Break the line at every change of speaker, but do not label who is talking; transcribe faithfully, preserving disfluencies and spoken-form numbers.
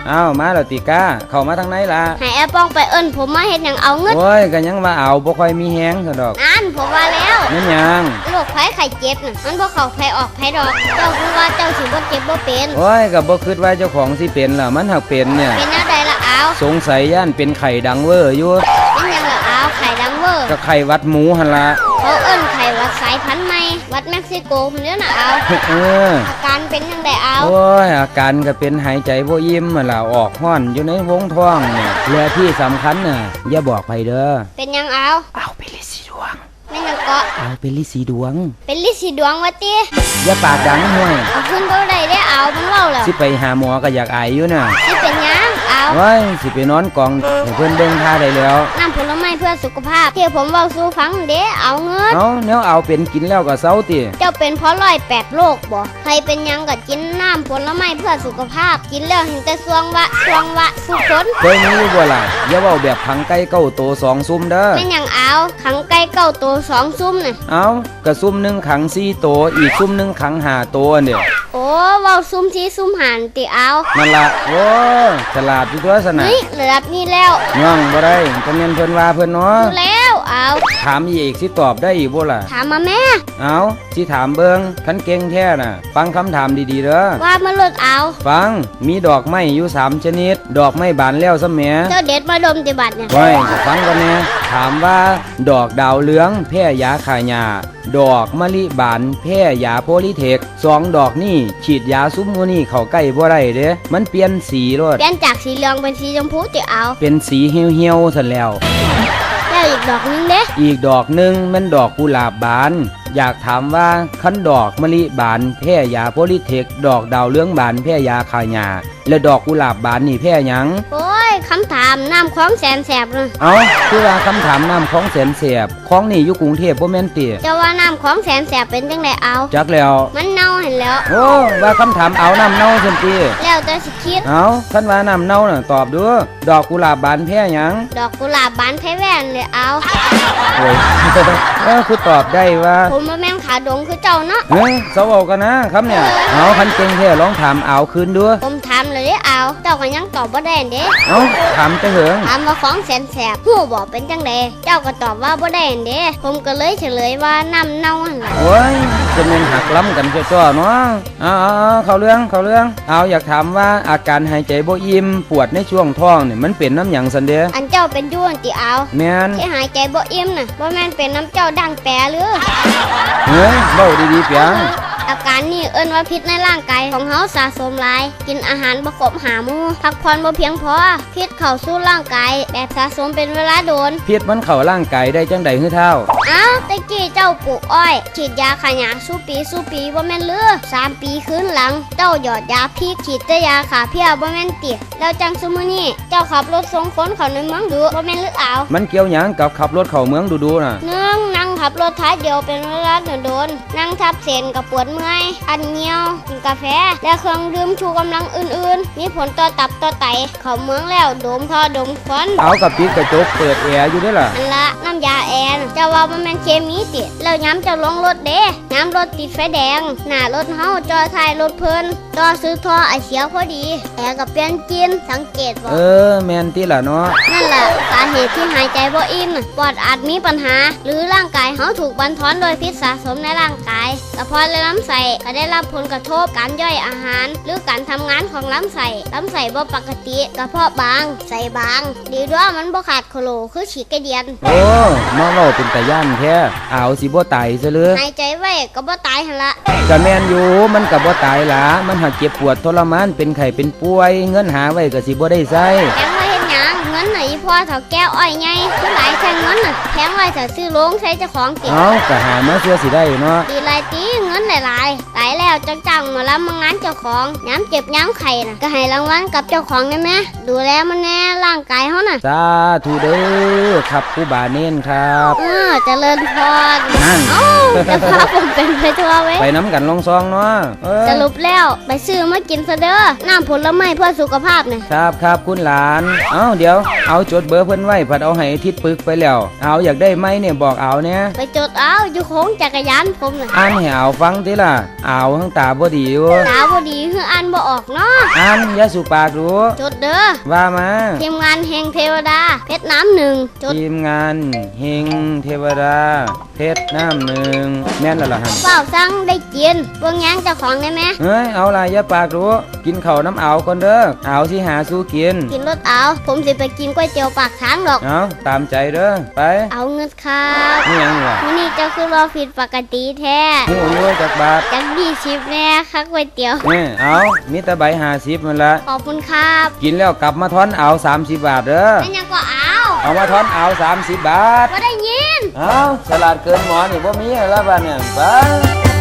อ้าวมาแล้วติก้าเข้ามาทางไหนล่ะ
ให้แอปป้องไปเอิ้นผมมาเฮ็ดหยังเอาเงิน
โอ้ยก็ยังว่าเอาบ่ค่อยมีแฮงซะดอก
นั่นผมว่าแล้ว
นั่นหยัง
โรคภัยไข้เจ็บน่ะมันบ่เข้าไผออกไผดอกเจ้าคือว่าเจ้าสิบ่เจ็บบ่เป็น
โอ้ยก็บ่คิดว่าเจ้าของสิเป็นล่ะมันหักเป็นเนี่ย
เป็นแนวใดล่ะเอา
สงสัยย่านเป็นไข้ดังเวอร์อยู่
เป็นหยังล่ะเอาไข้ดังเวอร์
ก็ไข้หวัดหมูหั่นล่ะ
เขาเอิ้นไข้หวัดสายพันธุ์ใหม่หวัดเม็กซิโกพุ่นเด้อน่ะเอา
เออ
อาการเป็นจังไดเอา
โอ้ยอาการก็เป็นหายใจบ่อิ่มนั่นล่ะออกฮ้อนอยู่ในวงท้องเนี่ยและที่สำคัญน่ะอย่าบอกไผเด้อ
เป็นหยังเอา
เอาไปลิสีดวง
แม่นหยังเกาะ
เอาไปลิสีดวง
เป็นลิสีดวงว่าติ
อย่าปากดังห้วย
เอาขึ้นบ่ได้เด้เอามันเว้าแล้ว
สิไปหาหมอก็อยากอายอยู่น่ะ
สิเป็นหยังเอา
เฮ้ยสิไปนอนกองให้เพิ่นเบิ่งท่าได้แล้ว
น้ำผลไม้เพื่อสุขภาพที่ผมเว้าสู่ฟังเด้เอาเงิน
เอาแนวเอาเป็นกินแล้วก็เซาติ
เจ้าเป็นเพราะร้อยแปดโรคบ่ใครเป็นหยังก็กินน้ำผลไม้เพื่อสุขภาพกินแล้วเห็นแต่สวงวะสวงวะสุขน
เคยมีอยู่บ่ล่ะอย่าเว้าแบบขังไก่เก้าโตสองซุ่มเด้อ
แม่นหยังเอาขังไก่เก้าโตสองซุ่มน่ะ
เอาก็ซุ่มหนึ่งขังสี่โตอีกซุ่มหนึ่งขังห้าโตอันเด้อ
โอ้เว้าซุ่มที่ซุ่มหันติเอา
นั่นล่ะโอ้ฉลาดอยู่ตัวซะน่ะ
เฮ้ยระดับนี้แล้ว
ย่องบ่ได้ก็แม่นเพิ่นว่าเพิ่นเนาะ
แล้วเอา
ถามอีกสิตอบได้อีกบ่ล่ะ
ถามมาแม่
เอาสิถามเบิ่งคันเก่งแท้น่ะฟังคำถามดีๆเด้อ
ว่ามาลดเอา
ฟังมีดอกไม้อยู่สามชนิดดอกไม้บานแล้วซะแหม
เจ้าเด็ดมาดมติบัดเนี่ย
ไว้ก็ฟังก่อนแน่ถามว่าดอกดาวเหลืองแพ้ยาฆ่าหญ้าดอกมะลิบานแพ้ยาโพลิเทคสองดอกนี่ฉีดยาซุมมูนี่เข้าใกล้บ่ได้เด้มันเปลี่ยนสีโลด
เปลี่ยนจากสีเหลืองเป็นสีชมพูติเอา
เป็นสีเหี่ยวๆซั่นแล้ว
แล้วอีกดอกนึงเด้
อีกดอกนึงมันดอกกุหลาบบานอยากถามว่าคันดอกมะลิบานแพ้ยาโพลิเทคดอกดาวเหลืองบานแพ้ยาฆ่าหญ้าและดอกกุหลาบบานนี่แพ้หยัง
โอ้ยคำถามน้ำของแสนแสบเลย
เอ้าคือว่าคำถามน้ำของแสนแสบของนี่อยู่กรุงเทพบ่แม่นติ
จะว่าน้ำของแสนแสบเป็นจังไดเอา
จักแล้ว
มันเน่าเห็นแล้ว
โอ้ว่าคำถามเอาน้ำเน่าซั่นติ
แล้วแต่สิคิด
เอาคันว่าน้ำเน่าน่ะตอบดูดอกกุหลาบบานแพ้หยัง
ดอกกุหลาบบานแพ้แว่นเลยเอา
โอ้ยเออคือตอบได้ว่า
ผมบ่แม่นขาดงคือเจ้าเนาะ
เฮ้ยเซาเอากันนะคำเนี่ยเอาคันเก่งแท้ลองถามเอาคืนดู
ผมถามเลยเด้เอาเจ้าก็ยังตอบบ่ได้เด้
เอ้าถามจะเหิง
ถามว่าของแสนแสบฮู้บ่เป็นจังได๋เจ้าก็ตอบว่าบ่ได้เด้ผมก็เลยเฉลยว่าน้ำเน่าหั่นล่ะ
โอ้ยจะแม่นหักล้ำกันจ้อๆเนาะเอาๆเข้าเรื่องเข้าเรื่องเอาอยากถามว่าอาการหายใจบ่อิ่มปวดในช่วงท้องนี่มันเป็นน้ำหยังซั่นเด้
อันเจ้าเป็นอยู่ติเอา
แม่น
ที่หายใจบ่อิ่มน่ะบ่แม่นเป็นน้ำเจ้าดังแปรหรือ
เฮ้ยเว้าดีๆเปียง
อาการนี้เอิ้นว่าพิษในร่างกายของเฮาสะสมหลายกินอาหารบ่ครบห้าหมู่พักผ่อนบ่เพียงพอพิษเข้าสู่ร่างกายแบบสะสมเป็นเวลาโดน
พิษมันเข้าร่างกายได้จังได๋ฮือเฒ่า
อ้าวตะกี้เจ้าปลูกอ้อยฉีดยาฆ่าหญ้าสู้ปีสู้ปีบ่แม่นหรือสามปีคืนหลังเจ้าหยอดยาพิษฉีดแต่ยาฆ่าเพี้ยบ่แม่นติแล้วจังซุมื้อนี้เจ้าขับรถส่งคนเข้าในเมืองดูบ่แม่นหรือเอา
มันเกี่ยวหยังกับขับรถเข้าเมืองดูๆน่ะ
หนึ่งนั่งขับรถท้ายเดียวเป็นเวลาโดนๆนั่งทับเส้นก็ปวดเมื่อยอันเหี่ยวกินกาแฟและเครื่องดื่มชูกำลังอื่นๆมีผลต่อตับต่อไตเข้าเมืองแล้วดมท่อดมควัน
เอากับปิดกระจกเปิดแอร์อยู่เด้อล่ะ
นั่นละน้ำยาแอร์เจ้าว่ามันเป็นเคมีติแล้วย้ำจะลงรถเด้ย้ำรถติดไฟแดงหน้ารถเฮาจอท้ายรถเพิ่นต่อซื้อท่อไอเสียพอดีแอร์ก็เปลี่ยนกินสังเกตบ่
เออแม่นติล่ะเนาะ
นั่นล่ะสาเหตุที่หายใจบ่อิ่มปอดอาจมีปัญหาหรือร่างกายเฮาถูกบั่นทอนโดยพิษสะสมในร่างกายกระเพาะและลำไส้ก็ได้รับผลกระทบการย่อยอาหารหรือการทำงานของลำไส้ลำไส้บ่ปกติกระเพาะบางไส้บางดีด้วยมันบ่ขาดโคโลคือฉีกกระเดียน
โอ้มาเว้าเป็นตาย่านแท้เอาสิบ่ตายซะเลย
หายใจไว้ก็บ่ตายหั่นละ
ก็แม่นอยู่มันก็บ่ตายล่ะมันหักเจ็บปวดทรมานเป็นไข้เป็นป่วยเงินหาไว้ก็สิบ่ได้ใช้
แพงไว้เฮ็ดหยังเงินน่ะอีพ่อเฒ่าแก้วอ้อยใหญ่คือหลายแท่งเงินน่ะแพงไว้ถ้าซื้อโรงใช้เจ้าของติ
เอ้าก็หามาเสื้อสิได้เนาะ
ดีหลายติเงินหลายๆหลายแล้วจังจังมารับมางานเจ้าของย้ำเจ็บย้ำไข้น่ะก็ให้รางวัลกับเจ้าของได้ไหมดูแลมันแน่ร่างกายเฮาน่ะ
สาธุเด้อครับครูบาเน้นครับ
เออเจริญพรนั่นเอ้าจะพาผมเป็นไปทั่วเว้ย
ไปน้ำกันลองซองเนาะ
สรุปแล้วไปซื้อมากินซะเด้อน้ำผลไม้เพื่อสุขภาพน่ะ
ครับครับคุณหลานเอ้าเดี๋ยวยวเอาจดเบอร์เพิ่นไว้ผัดเอาให้ทิศปึกไปแล้วเอาอยากได้ไหมเนี่ยบอกเอาเนี่ย
ไปจดเอาอยู่โค้งจักรยานผมน่ะ
อ่านให้เอาฟังติล่ะเอาทั้งตาบ่ดีอยู่
ตาบ่ดีคืออ่านบ่ออกเนาะ
อ่านอย่าสุปากดู
จดเด้อ
ว่ามา
ทีมงานแห่งเทวดาเพชรน้ำหนึ่งจด
ทีมงานเฮงเทวดาเพชรน้ำหนึ่งแม่นแล้วล่ะหั่น
เฝ้าสั่งได้กินเบิ่งแย้งเจ้าของได้ไหม
เฮ้ยเอาล่ะอย่าปากดูกินข้าวน้ำเอาก่อนเด้อเอาสิหาสู้กิน
กินรถเอาผมสิไปกินก๋วยเตี๋ยวปากทางดอก
เอาตามใจเด้อไป
เอาเงินครับ
นี่หยังนี่ล่ะ
มื้อนี้เจ้าคือรอผิดปกติแท้
หูอยู่จักบาท
จักยี่สิบแน่ค่ะก๋วยเตี๋ยว
นี่เอามีแต่ใบห้าสิบมันละ
ขอบคุณครับ
กินแล้วกลับมาทอนเอาสามสิบบาทเด้อ
นั่นยังก็เอา
เอามาทอนเอาสามสิบบาท
บ่ได้ยิน
เอาสลัดเกินหมอนี่บ่มีแล้วบ้านเนี่ยไป